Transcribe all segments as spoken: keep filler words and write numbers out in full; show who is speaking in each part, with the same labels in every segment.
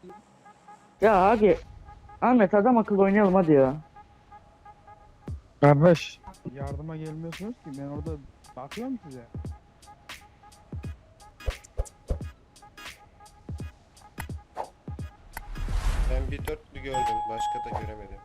Speaker 1: Ya abi Ahmet adam akıllı oynayalım hadi ya.
Speaker 2: Kardeş yardıma gelmiyorsunuz ki ben orada bakıyorum size.
Speaker 3: Ben bir dörtlü gördüm. Başka da göremedim.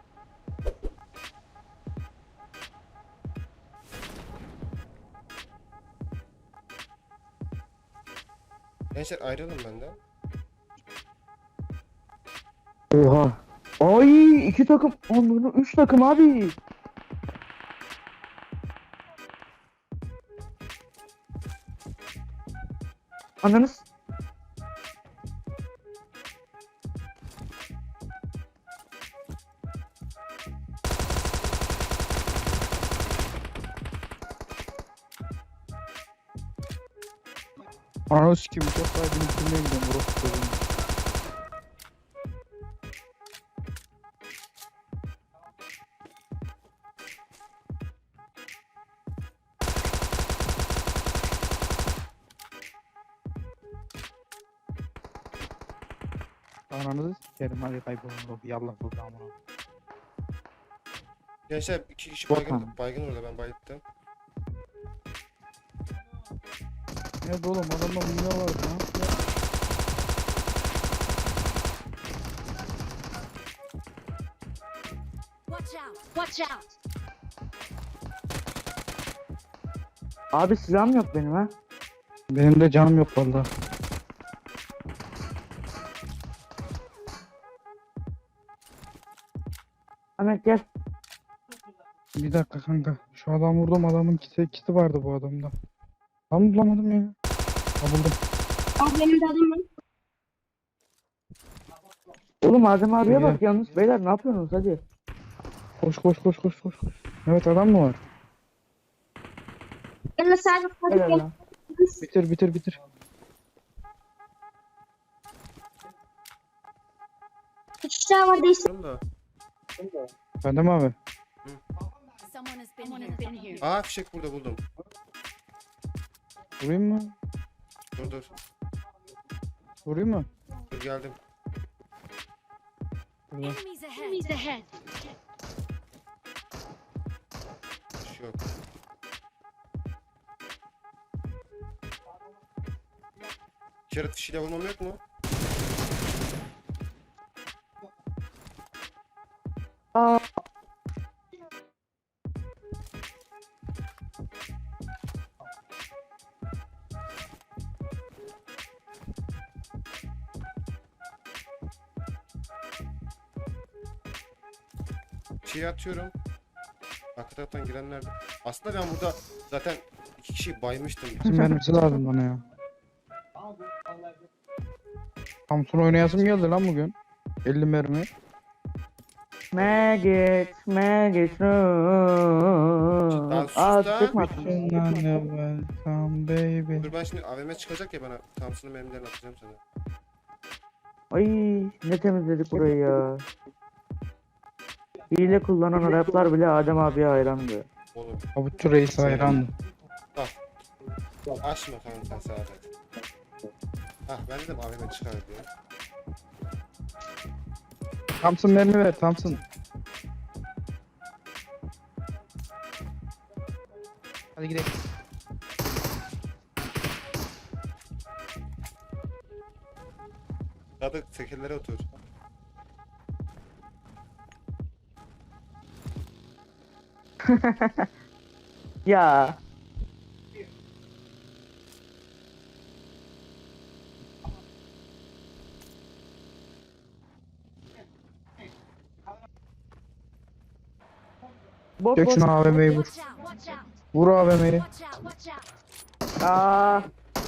Speaker 3: Gençler ayrılın benden.
Speaker 1: Oha. Ay iki takım. Onların üç takım abi. Ananız.
Speaker 2: Ananı sikeyim çok daha benim filmeye gidiyorum burası çocuğum. Ananızı sikerim hadi kaybolun yallah buradan bunu.
Speaker 3: Gençler iki kişi
Speaker 1: Yok
Speaker 3: baygın,
Speaker 1: abi.
Speaker 3: baygın orada, ben bayılttım.
Speaker 2: Evet oğlum adamda mumya var lan.
Speaker 4: Watch out! Watch out!
Speaker 1: Abi silahım yok benim ha.
Speaker 2: Benim de canım yok valla.
Speaker 1: Ahmet gel.
Speaker 2: Bir dakika kanka. Şu adam vurdum adamın kiti, kiti vardı bu adamda. Tam bulamadım ya. Ha buldum.
Speaker 4: Abi benim de adım var.
Speaker 1: Oğlum Adem abiye
Speaker 2: Gel.
Speaker 1: bak yalnız. Beyler ne yapıyorsunuz hadi.
Speaker 2: Koş koş koş koş koş. koş. Evet adam mı var?
Speaker 4: Ben de sadece
Speaker 1: Helal lan.
Speaker 2: Bitir bitir bitir.
Speaker 4: üç tane var değişti.
Speaker 3: Durun da.
Speaker 2: Bende mi abi?
Speaker 4: Someone has been here. Been here.
Speaker 3: Aa, fişek burada buldum.
Speaker 2: Vurayım mı?
Speaker 3: Dur dur.
Speaker 2: Vurayım mı?
Speaker 3: Dur geldim.
Speaker 2: Burada.
Speaker 4: Enemies ahead. Enemies ahead.
Speaker 3: Bir şey yok. İşaret fişiyle vurmam yok mu?
Speaker 1: Aa.
Speaker 3: Şeyi atıyorum. Arka taraftan girenler de. Aslında ben burada zaten iki kişiyi baymıştım.
Speaker 2: Bizim mermisi lazım bana ya. Samsun oynayasım geldi lan bugün. elli mermi.
Speaker 1: Maggot, maggot.
Speaker 3: Lan sus
Speaker 1: Aa
Speaker 3: da.
Speaker 1: çıkma.
Speaker 2: Welcome baby.
Speaker 3: Dur ben şimdi A V M çıkacak ya, bana Thompson'ın mermilerini atacağım sana.
Speaker 1: Ay ne temizledik burayı ya. Hile kullanan Araplar bile Adem abiye hayrandı.
Speaker 3: Oğlum
Speaker 2: Avutçu reis hayrandı.
Speaker 3: açma kanka Saadet. Ah ben dedim A V M çıkar diye.
Speaker 2: Thompson mermi ver Thompson. Hadi gidelim.
Speaker 3: Sadık tekerlere otur.
Speaker 1: Ya. Bot
Speaker 2: Çek
Speaker 1: bot.
Speaker 2: şunu A V M'yi vur.
Speaker 4: Watch out! Watch out!
Speaker 2: Vur A V M'yi.
Speaker 4: Watch out! Watch out!
Speaker 1: Aa.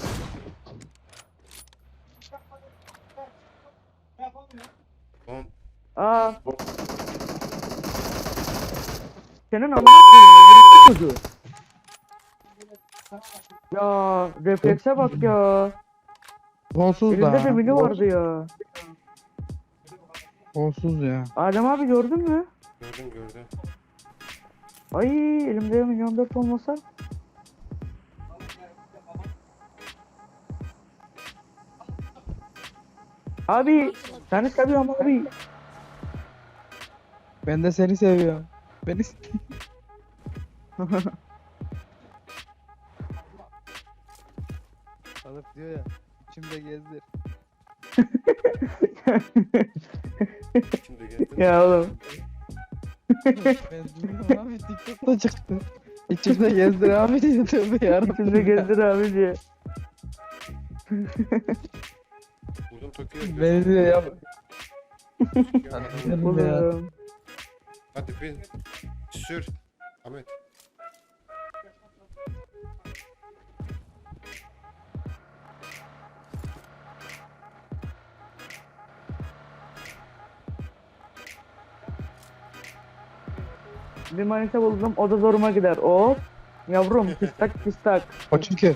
Speaker 3: Oğlum
Speaker 1: Aa. Senin amına koyayım. Çocuğu. Ya reflekse bak ya.
Speaker 2: Kolsuz
Speaker 1: Elinde de
Speaker 2: da.
Speaker 1: mini vardı ya.
Speaker 2: Kolsuz ya.
Speaker 1: Adem abi gördün mü?
Speaker 3: gördüm gördüm.
Speaker 1: Ay elimde milyon dört olmasa. Abi seni seviyorum abi.
Speaker 2: Ben de seni seviyorum. Beni Alıp diyor ya, içimde gezdir.
Speaker 3: Şimdi geldin.
Speaker 1: Ya oğlum.
Speaker 2: Ben duyuyorum abi, TikTok'ta çıktı. İçimde gezdir abi diye, tövbe yarabbim.
Speaker 1: İçimde gezdir abi diye.
Speaker 3: Vurdum Tokyo'ya.
Speaker 2: Beni diyor ya.
Speaker 1: Oğlum.
Speaker 3: Hadi bin. Sür. Ahmet.
Speaker 1: Bir manita buldum, o da zoruma gider. O yavrum pistak pistak.
Speaker 2: O çünkü.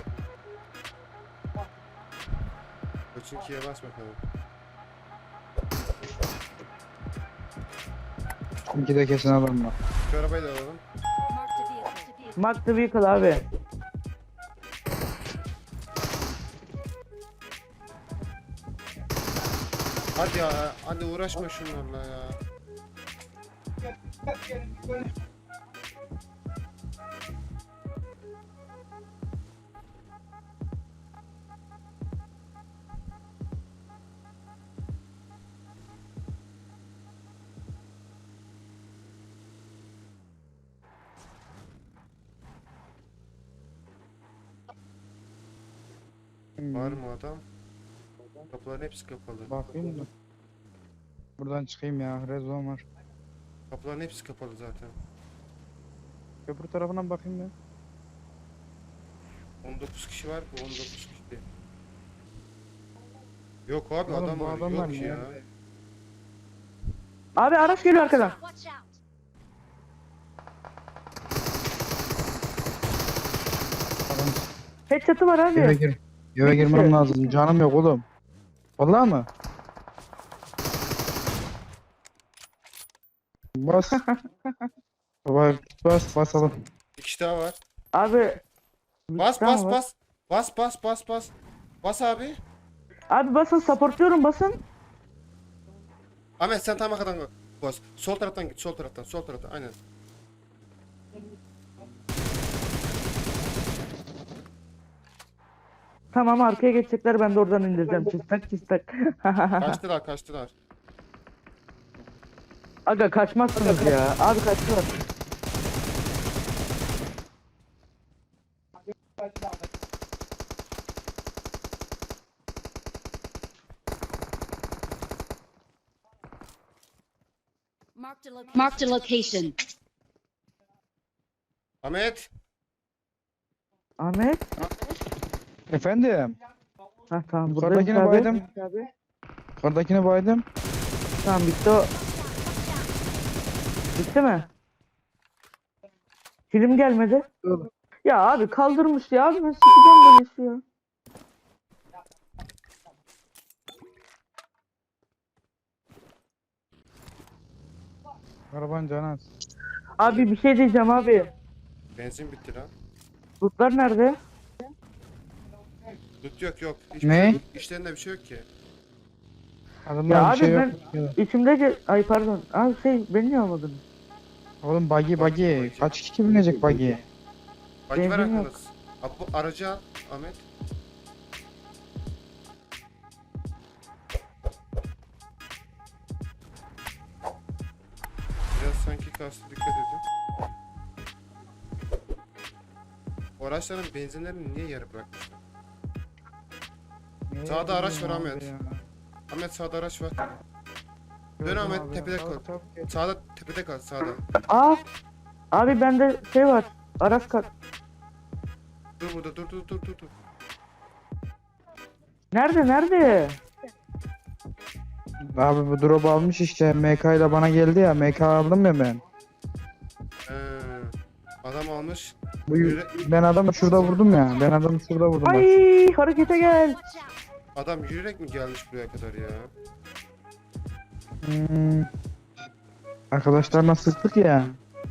Speaker 3: Koçinki'ye bas bakalım.
Speaker 2: Çünkü de kesin alırım ben.
Speaker 3: Şu arabayı da alalım.
Speaker 4: Marked a vehicle.
Speaker 1: Mark the vehicle abi.
Speaker 3: Hadi ya. Hadi uğraşma şunlarla ya. Var mı adam? Kapıların hepsi kapalı.
Speaker 2: Bakayım da. Buradan çıkayım ya, rezon var.
Speaker 3: Kapıların hepsi kapalı zaten.
Speaker 2: Köprü tarafından bakayım ya.
Speaker 3: on dokuz kişi var. Bu on dokuz kişi. Yok abi
Speaker 2: Oğlum,
Speaker 3: adam
Speaker 2: bu
Speaker 3: var.
Speaker 2: adamlar
Speaker 3: Yok
Speaker 2: ne
Speaker 3: ya.
Speaker 2: ya?
Speaker 1: Abi araç geliyor arkadan.
Speaker 4: Watch out.
Speaker 2: Adam
Speaker 1: Headshot'ı var
Speaker 2: eve
Speaker 1: abi.
Speaker 2: gir. Eve girmem lazım. Canım yok oğlum. Vallahi mı? Bas. Baba bas basalım.
Speaker 3: Bir kişi daha var.
Speaker 1: Abi.
Speaker 3: Bas
Speaker 1: Tamam
Speaker 3: bas
Speaker 1: var.
Speaker 3: bas. Bas bas bas bas. Bas abi.
Speaker 1: Abi basın, supportluyorum basın.
Speaker 3: Ahmet sen tam arkadan bas. Sol taraftan git. Sol taraftan. Sol taraftan. Aynen.
Speaker 1: Tamam arkaya geçecekler, ben de oradan indireceğim. Pistak pistak.
Speaker 3: Kaçtılar kaçtılar.
Speaker 1: Aga kaçmazsınız ya. Abi kaçtılar.
Speaker 4: Marked a location. Marked a location.
Speaker 3: Ahmet.
Speaker 1: Ahmet.
Speaker 2: Efendim.
Speaker 1: Ha tamam buradayım
Speaker 2: Yukarıdakine
Speaker 1: abi.
Speaker 2: baydım.
Speaker 1: Abi.
Speaker 2: Yukarıdakine baydım.
Speaker 1: Tamam bitti o. Bitti mi? Film gelmedi. Ya abi kaldırmış ya. Abi ben sikeceğim böyle şey ya.
Speaker 2: Araban canı az.
Speaker 1: Abi bir şey diyeceğim abi.
Speaker 3: Benzin bitti lan.
Speaker 1: Lootlar nerede?
Speaker 3: Tut yok yok. Hiçbir
Speaker 2: Ne?
Speaker 3: Şey yok. İşlerinde bir şey yok ki.
Speaker 2: Adamlar
Speaker 1: Ya
Speaker 2: bir
Speaker 1: abi
Speaker 2: şey yok.
Speaker 1: ben içimde ge- ay pardon. Abi şey beni niye almadın?
Speaker 2: Oğlum buggy
Speaker 3: Buggy,
Speaker 2: buggy.
Speaker 3: buggy.
Speaker 2: Kaç kişi binecek buggy'ye?
Speaker 3: Bagi var
Speaker 1: Benzin yok.
Speaker 3: aklınız. Abi bu aracı al Ahmet. Biraz sanki kastı dikkat edin. O araçların benzinlerini niye yarı bırakmışlar?
Speaker 2: Ne
Speaker 3: Sağda araç
Speaker 2: bileyim
Speaker 3: var
Speaker 2: abi
Speaker 3: Ahmet.
Speaker 2: ya.
Speaker 3: Ahmet sağda araç var. Dön
Speaker 2: Gördüm
Speaker 3: Ahmet,
Speaker 2: abi ya.
Speaker 3: tepede
Speaker 2: Çabuk,
Speaker 3: kal.
Speaker 2: çabuk gel.
Speaker 3: Sağda tepede kal sağda.
Speaker 1: Aa. Abi bende şey var. Araç kart.
Speaker 3: Dur burada dur dur dur dur dur.
Speaker 1: Nerede nerede?
Speaker 2: Abi bu drop almış işte. M K ile bana geldi ya. M K aldım ya ben.
Speaker 3: Ee, adam almış.
Speaker 2: Bu
Speaker 3: Yürü.
Speaker 2: ben adamı şurada vurdum ya. Ben adamı şurada vurdum bak.
Speaker 1: Ay harekete gel.
Speaker 4: Watch out.
Speaker 3: Adam yürüyerek mi gelmiş buraya kadar ya?
Speaker 2: Hmm. Arkadaşlarla sıktık ya.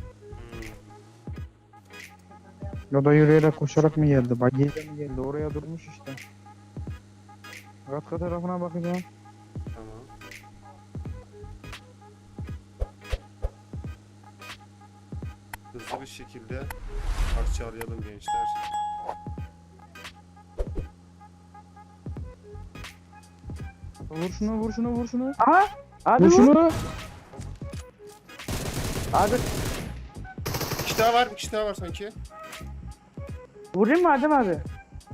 Speaker 3: Hmm.
Speaker 2: O da yürüyerek koşarak mı geldi? Bagiyle mi geldi? Oraya durmuş işte. Katka tarafına bakacağım.
Speaker 3: hızlı bir şekilde parçalayalım gençler.
Speaker 2: Vur şunu vur şunu vur şunu.
Speaker 1: Aha. Abi
Speaker 2: Vur
Speaker 1: vur.
Speaker 2: şunu.
Speaker 1: Abi
Speaker 3: Bir kişi daha var, bir kişi daha var sanki.
Speaker 1: vurayım mı Adem abi?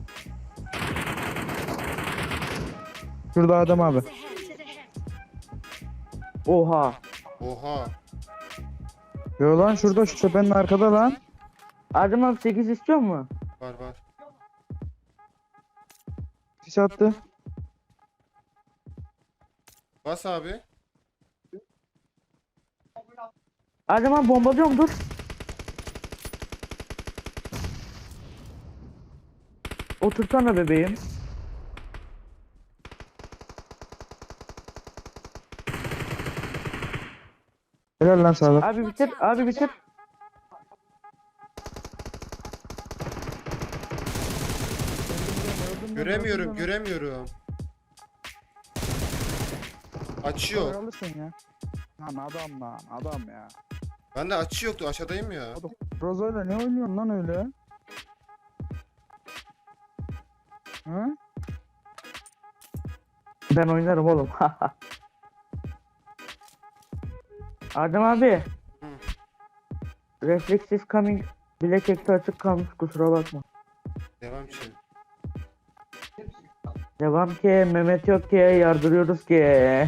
Speaker 2: Şurada adam abi.
Speaker 1: Oha.
Speaker 3: Oha.
Speaker 2: Yo lan şurada şu tepenin arkada lan.
Speaker 1: Adem abi sekiz istiyor mu?
Speaker 3: Var var.
Speaker 2: Sis attı.
Speaker 3: Bas abi.
Speaker 1: Adem abi bombalıyorum dur. Otursana bebeğim.
Speaker 2: Helal lan sağlık.
Speaker 1: Abi bitir, abi bitir.
Speaker 3: Göremiyorum, göremiyorum. Açıyor.
Speaker 2: Alırsın ya. Lan adam lan adam ya.
Speaker 3: Bende açı yoktu, aşağıdayım ya.
Speaker 2: Rozo'yla ne oynuyorsun lan öyle? Hı?
Speaker 1: Ben oynarım oğlum. Adem abi.
Speaker 3: Hı.
Speaker 1: Refleksiz coming. Bilek ekti açık kalmış kusura bakma.
Speaker 3: Devam için.
Speaker 1: Devam ki Mehmet yok ki yardırıyoruz ki.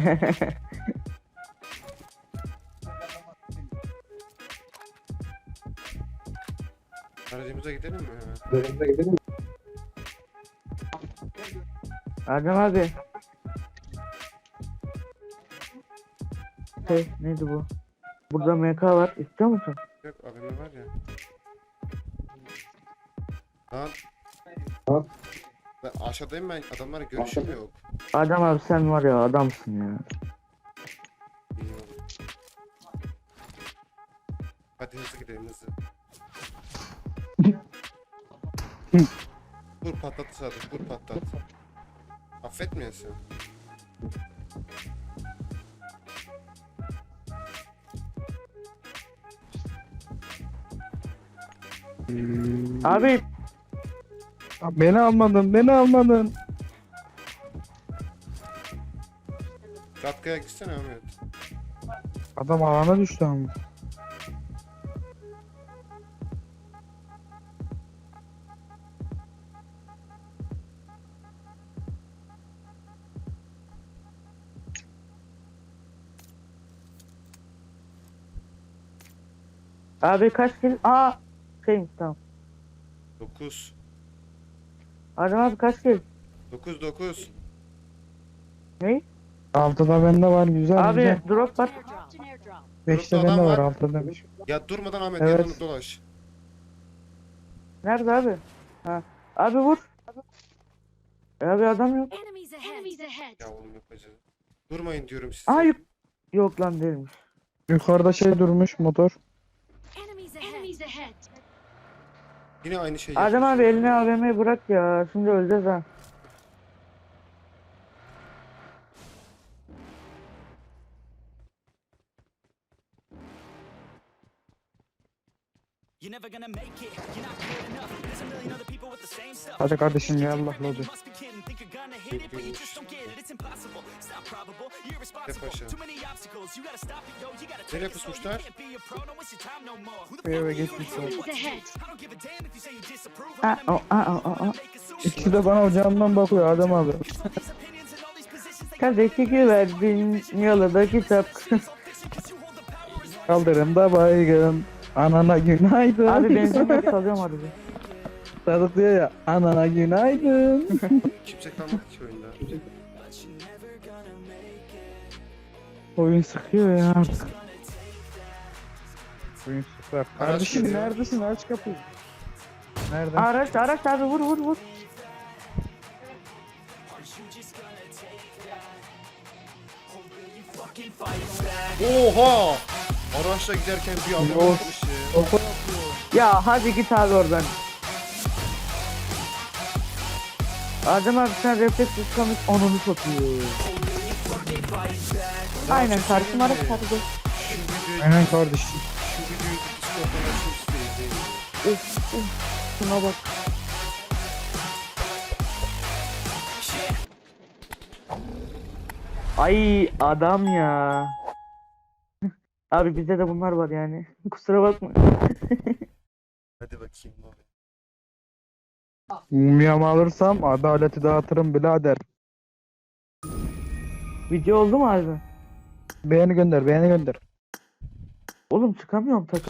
Speaker 3: Aracımıza gidelim mi hemen?
Speaker 1: Adem abi. Şey neydi bu? Burada M K var istiyor musun?
Speaker 3: Yok, A V M var ya. Lan. Ben aşağıdayım, ben adamlara görüşüm yok.
Speaker 1: Adem abi sen var ya adamsın ya.
Speaker 3: İyi oldu. Hadi hızlı gidelim hızlı. Vur patlat Sadık, vur patlat. Affetmiyorsun.
Speaker 1: Abi
Speaker 2: Beni almadın beni almadın.
Speaker 3: Katkaya gitsene Ahmet.
Speaker 2: Adam alana düştü ama.
Speaker 1: abi kaç kill? Aa şeymiş tamam.
Speaker 3: dokuz.
Speaker 1: Adem abi kaç kill?
Speaker 3: dokuz dokuz.
Speaker 1: Ne?
Speaker 2: Altıda bende var güzel
Speaker 1: Abi
Speaker 2: güzel.
Speaker 1: drop var.
Speaker 4: Airdrop. Airdrop.
Speaker 2: Beşte
Speaker 3: Grupta
Speaker 2: bende
Speaker 3: adam
Speaker 2: var
Speaker 3: var.
Speaker 2: altıda demiş.
Speaker 3: Ya durmadan Ahmet
Speaker 2: Evet.
Speaker 3: yanını dolaş.
Speaker 1: Nerede abi? Ha. Abi vur. E abi adam yok.
Speaker 4: Enemies ahead. Enemies ahead.
Speaker 3: Ya oğlum yapacağız. Durmayın diyorum size.
Speaker 1: Aa yok. Yok lan değilmiş.
Speaker 2: Yukarıda şey durmuş motor.
Speaker 4: Enemies ahead. Enemies ahead.
Speaker 3: Yine aynı şey
Speaker 1: Adem abi
Speaker 3: yapıyorsun.
Speaker 1: eline A V M'yi bırak ya. Şimdi öleceğiz ha.
Speaker 5: You're never gonna make it. You're not good enough. There's a million other people with the same stuff.
Speaker 2: Hadi kardeşim ya Allah
Speaker 5: You
Speaker 2: hadi.
Speaker 5: must be kidding. Think you're gonna hit it, but you just don't get it. It's impossible. It's not probable. You're irresponsible.
Speaker 3: Paşa.
Speaker 5: Too many obstacles. You gotta stop it, yo. You gotta
Speaker 3: Nereye
Speaker 5: take it slow. You
Speaker 3: pusmuşlar?
Speaker 5: can't be a pro. Don't waste your time no more. Who the
Speaker 2: Bir eve
Speaker 5: fuck are you
Speaker 2: geçmişler.
Speaker 5: to tell me what to do?
Speaker 4: Enemies
Speaker 5: I don't give a damn if you say you disapprove.
Speaker 1: Aa,
Speaker 5: I'm
Speaker 1: o, aa, o, o, o.
Speaker 5: make a sushi.
Speaker 2: İkisi de bana ocağımdan bakıyor Adem abi.
Speaker 5: Cause all these opinions and all these positions, they
Speaker 1: Kardeşi güverdin yalıda kitap.
Speaker 5: cause you hold the power as long
Speaker 2: Kaldırımda baygın. Anana günaydın.
Speaker 1: Abi benzin yok salıyorum aracı.
Speaker 2: Sadık diyor ya. Anana günaydın.
Speaker 3: Kimse kalmadı ki oyunda.
Speaker 2: Oyun sıkıyor ya artık. Oyun sıkıyor. Kardeşim
Speaker 3: geliyor.
Speaker 2: neredesin? Aç kapıyı. Nerede?
Speaker 1: Araç araç abi vur vur vur.
Speaker 3: Oha! Araçla giderken bir adam
Speaker 2: Yok.
Speaker 3: atmış ya.
Speaker 1: Ya hadi git abi oradan. Adem abi sen refleksiz kamış onunu satıyor. Aynen karşıma araç hadi gel.
Speaker 3: Şu videoyu,
Speaker 2: Aynen kardeşim.
Speaker 3: şu videoyu Discord'dan açayım isteyin.
Speaker 1: Of of. Şuna bak. Ay adam ya. Abi bizde de bunlar var yani. Kusura bakma.
Speaker 3: Hadi bakayım abi.
Speaker 2: Mumyamı alırsam adaleti dağıtırım birader.
Speaker 1: Video oldu mu abi?
Speaker 2: Beğeni gönder, beğeni gönder.
Speaker 1: Oğlum çıkamıyorum takım.